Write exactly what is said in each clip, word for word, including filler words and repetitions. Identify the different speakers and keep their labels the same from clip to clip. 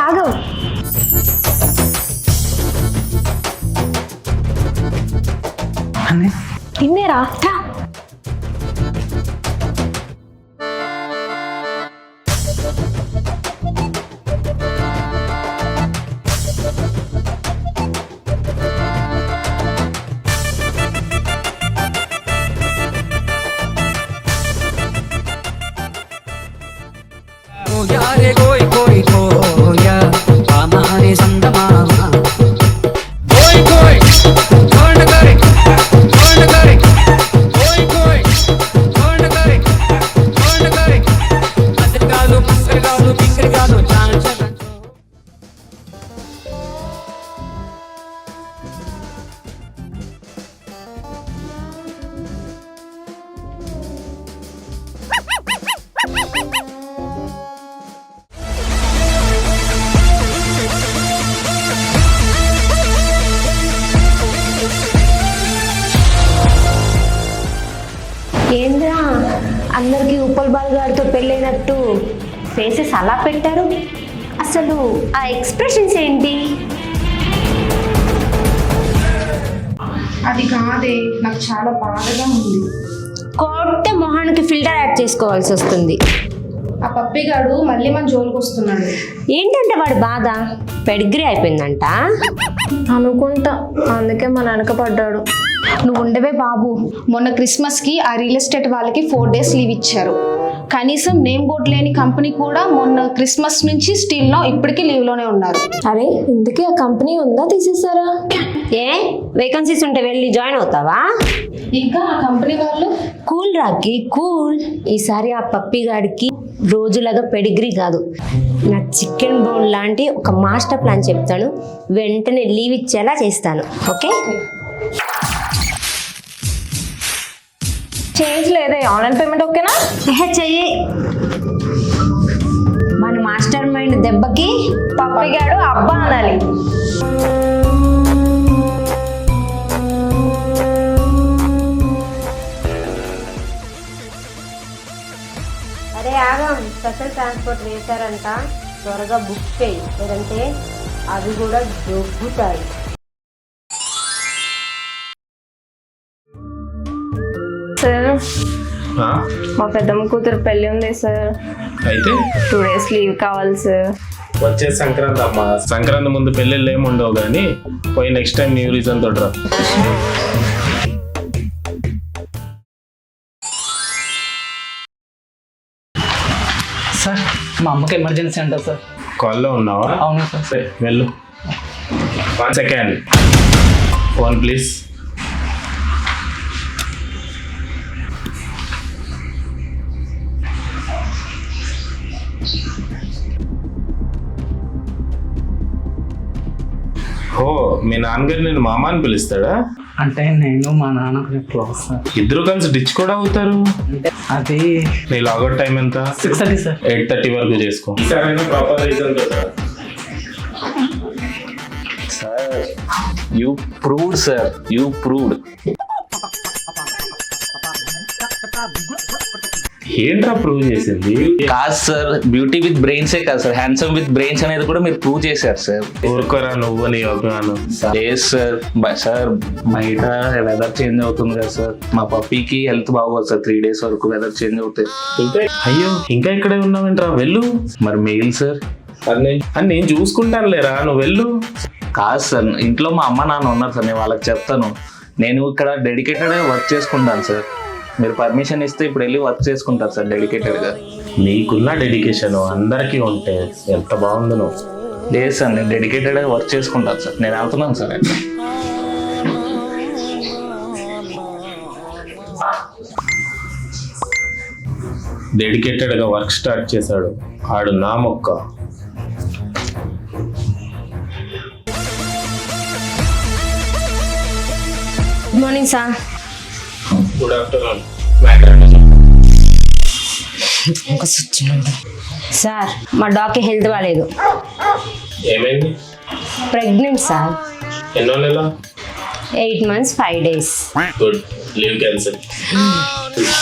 Speaker 1: ఆగు. తిన్నేరా
Speaker 2: यारे कोई कोई खोया हमारे संदमामा कोई कोई कौन करे कौन करे कोई कोई कौन करे कौन करे अदर गालो मस्कर गालो बिंगर गालो चांद चलन
Speaker 1: ఏంద్రా అందరికి ఉప్పల్ బాల్ గారితో పెళ్ళైనట్టు ఫేసెస్ అలా పెట్టారు. అసలు ఆ ఎక్స్ప్రెషన్స్ ఏంటి?
Speaker 3: అది కాదే, నాకు చాలా బాధగా ఉంది.
Speaker 1: కొట్టే మొహానికి ఫిల్టర్ యాడ్ చేసుకోవాల్సి వస్తుంది.
Speaker 3: ఆ పప్పిగాడు మళ్ళీ మన జోలికి వస్తున్నాడు.
Speaker 1: ఏంటంటే వాడి బాధ పెడిగ్రీ అయిపోయిందంట
Speaker 4: అనుకుంటా, అందుకే మన వెనక పడ్డాడు.
Speaker 3: నువ్వు ఉండవే బాబు, మొన్న క్రిస్మస్కి ఆ రియల్ ఎస్టేట్ వాళ్ళకి ఫోర్ డేస్ లీవ్ ఇచ్చారు. కనీసం నేమ్ బోర్డు లేని కంపెనీ కూడా మొన్న క్రిస్మస్ నుంచి స్టిల్ నో ఇప్పటికీ లీవ్లోనే ఉన్నారు.
Speaker 4: అరే ఇందుకే ఆ కంపెనీ ఉందా, తీసేసారా?
Speaker 1: ఏ వేకెన్సీస్ ఉంటే వెళ్ళి జాయిన్ అవుతావా?
Speaker 3: ఇంకా ఆ కంపెనీ వాళ్ళు
Speaker 1: కూల్ రాకి కూల్. ఈసారి ఆ పప్పి గాడికి రోజులాగా పెడిగ్రీ కాదు, నా చికెన్ బౌల్ లాంటి ఒక మాస్టర్ ప్లాన్ చెప్తాను. వెంటనే లీవ్ ఇచ్చేలా చేస్తాను. ఓకే?
Speaker 4: చేంజ్ లేదే, ఆన్లైన్ పేమెంట్ ఓకేనా?
Speaker 1: ఎహె చెయ్యి. మన మాస్టర్ మైండ్ దెబ్బకి
Speaker 4: పప్పిగాడు అబ్బా అనాలి.
Speaker 1: అరే ఆగం, స్పెషల్ ట్రాన్స్పోర్ట్ వేశారంట, త్వరగా బుక్ చేయి, లేదంటే అవి కూడా దొబ్బుతాయి.
Speaker 4: సార్ మా పెద్దమ్మ కూతురు పెళ్లి ఉంది సార్,
Speaker 5: అయితే
Speaker 4: టూ డేస్ లీవ్ కావాలి సార్.
Speaker 5: వచ్చే సంక్రాంతి అమ్మా, సంక్రాంతి ముందు పెళ్ళిళ్ళు ఏమి ఉండవు కానీ పోయి నెక్స్ట్ టైం న్యూ రీజన్ తోటి రా.
Speaker 6: సార్ మా అమ్మకి ఎమర్జెన్సీ అంటారు సార్.
Speaker 5: కాల్లో ఉన్నావా?
Speaker 6: అవును సార్.
Speaker 5: సరే వెళ్ళు. One second, phone please. ఓ మీ నాన్నగారు నేను మామ అని పిలుస్తాడా?
Speaker 6: అంటే నేను మా నాన్న క్లోజ్ సార్.
Speaker 5: ఇద్దరు కలిసి డిచ్ కూడా అవుతారు.
Speaker 6: అంటే అది
Speaker 5: నీ లాగౌట్ టైం ఎంత?
Speaker 6: Six thirty sir.
Speaker 5: Eight thirty వరకు చేసుకో. సరైన proper reason
Speaker 7: sir you proved sir, you proved.
Speaker 5: ఏంట్రా ప్రూవ్ చేసింది?
Speaker 7: కాదు సార్, బ్యూటీ విత్ బ్రెయిన్సే కాదు సార్, హ్యాండ్సమ్ విత్ బ్రెయిన్స్ అనేది కూడా మీరు ప్రూవ్ చేశారు సార్.
Speaker 5: ఊరుకోరా నువ్వు నీ అభిమానం.
Speaker 7: లేదు సార్, సార్ బయట వెదర్ చేంజ్ అవుతుంది కదా సార్, మా పప్పీకి హెల్త్ బాగోదు సార్, త్రీ డేస్ వరకు వెదర్ చేంజ్ అవుతాయి.
Speaker 5: ఇంకా అయ్యో ఇంకా ఇక్కడే ఉన్నావేంట్రా, వెళ్ళు.
Speaker 7: మరి మెయిల్ సార్.
Speaker 5: అని నేను చూసుకుంటాను లేరా, నువ్వు వెళ్ళు.
Speaker 7: కాదు సార్, ఇంట్లో మా అమ్మ నాన్న ఉన్నారు సార్, నేను వాళ్ళకి చెప్తాను. నేను ఇక్కడ డెడికేటెడ్గా వర్క్ చేసుకుంటాను సార్, మీరు పర్మిషన్ ఇస్తే ఇప్పుడు వెళ్ళి వర్క్ చేసుకుంటారు సార్ డెడికేటెడ్గా.
Speaker 5: నీకున్న డెడికేషన్ అందరికీ ఉంటే ఎంత బాగుంది. నువ్వు
Speaker 7: లేదు సార్, నేను డెడికేటెడ్గా వర్క్ చేసుకుంటాను సార్, నేను వెళ్తున్నాను సార్.
Speaker 5: డెడికేటెడ్గా వర్క్ స్టార్ట్ చేశాడు ఆడు నా మొక్క.
Speaker 1: Good morning sir.
Speaker 5: Good afternoon.
Speaker 1: Sir మా డాక్టర్ హెల్త్ బాగాలేదు.
Speaker 5: ఏమైంది?
Speaker 1: Pregnant sir.
Speaker 5: ఎన్నో నెల?
Speaker 1: Eight months five days.
Speaker 5: Good, leave cancel.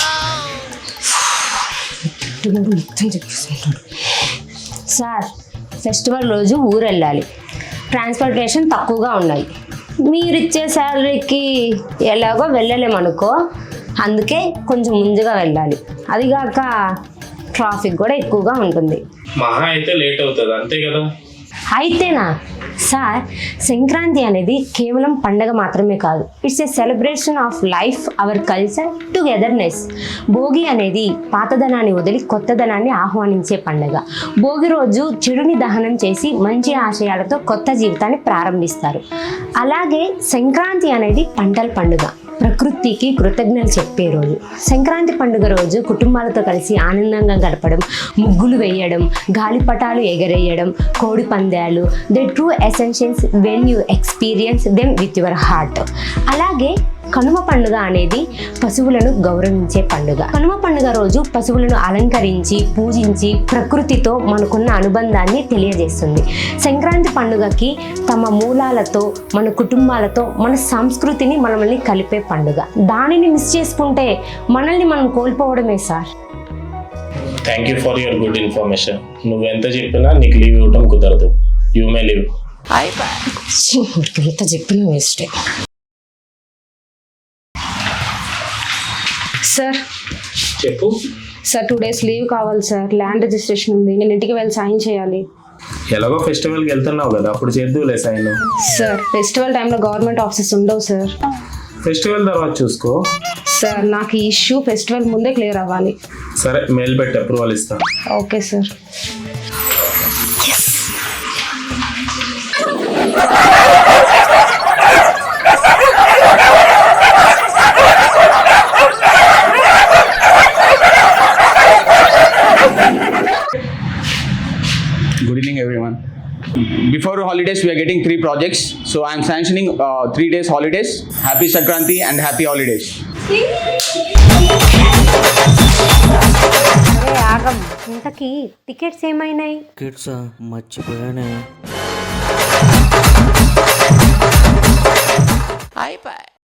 Speaker 1: Sir festival రోజు ఊరు వెళ్ళాలి, ట్రాన్స్పోర్టేషన్ తక్కువగా ఉన్నాయి. మీరు ఇచ్చే శాలరీకి ఎలాగో వెళ్ళలేమనుకో, అందుకే కొంచెం ముందుగా వెళ్ళాలి. అదిగాక ట్రాఫిక్ కూడా ఎక్కువగా ఉంటుంది.
Speaker 5: మహా అయితే లేట్ అవుతుంది అంతే కదా.
Speaker 1: అయితేనా సార్, సంక్రాంతి అనేది కేవలం పండగ మాత్రమే కాదు, it's a celebration of life, our culture, togetherness. Bhogi అనేది పాతదనాన్ని వదిలి కొత్తదనాన్ని ఆహ్వానించే పండగ. భోగి రోజు చెడుని దహనం చేసి మంచి ఆశయాలతో కొత్త జీవితాన్ని ప్రారంభిస్తారు. అలాగే సంక్రాంతి అనేది పంటల పండుగ, ప్రకృతికి కృతజ్ఞతలు చెప్పే రోజు. సంక్రాంతి పండుగ రోజు కుటుంబాలతో కలిసి ఆనందంగా గడపడం, ముగ్గులు వేయడం, గాలిపటాలు ఎగరేయడం, కోడి పందాలు, the true essentials when you experience them with your heart. అలాగే కనుమ పండుగ అనేది పశువులను గౌరవించే పండుగ. కనుమ పండుగ రోజు పశువులను అలంకరించి పూజించి ప్రకృతితో మనకున్న అనుబంధాన్ని తెలియజేస్తుంది. సంక్రాంతి పండుగకి తమ మూలాలతో, మన కుటుంబాలతో, మన సంస్కృతిని మనల్ని కలిపే పండుగ. దానిని మిస్ చేసుకుంటే మనల్ని మనం కోల్పోవడమే sir.
Speaker 5: Thank you for your good information. నువ్వు ఎంత చెప్పినా నీకు లీవ్ ఇవ్వడం కుదరదు. You may leave.
Speaker 1: ఎంత చెప్పినా వేస్టే.
Speaker 3: సార్
Speaker 5: చెప్పు.
Speaker 3: సార్ టూ డేస్ లీవ్ కావాలి సార్, ల్యాండ్ రిజిస్ట్రేషన్ ఉంది, నేను ఇంటికి వెళ్ళి సైన్ చేయాలి.
Speaker 5: ఎలాగో ఫెస్టివల్కి వెళ్తున్నావు కదా, అప్పుడు చేద్దులే సైన్.
Speaker 3: సార్ ఫెస్టివల్ టైంలో గవర్నమెంట్ ఆఫీసెస్ ఉండవు సార్.
Speaker 5: ఫెస్టివల్ తర్వాత చూసుకో.
Speaker 3: సార్ నాకు ఈ ఇష్యూ ఫెస్టివల్ ముందే క్లియర్ అవ్వాలి.
Speaker 5: సరే, మెయిల్ పెట్టి అప్రూవల్ ఇస్తాను.
Speaker 3: Okay sir.
Speaker 8: Good evening, everyone. Before holidays, we are getting three projects. So I am sanctioning uh, three days holidays. Happy Sankranti and happy holidays.
Speaker 1: అరే ఆగం, ఇంతకీ టికెట్స్ ఏమైనాయి?
Speaker 2: Kids మర్చిపోయానే. అయిపోయి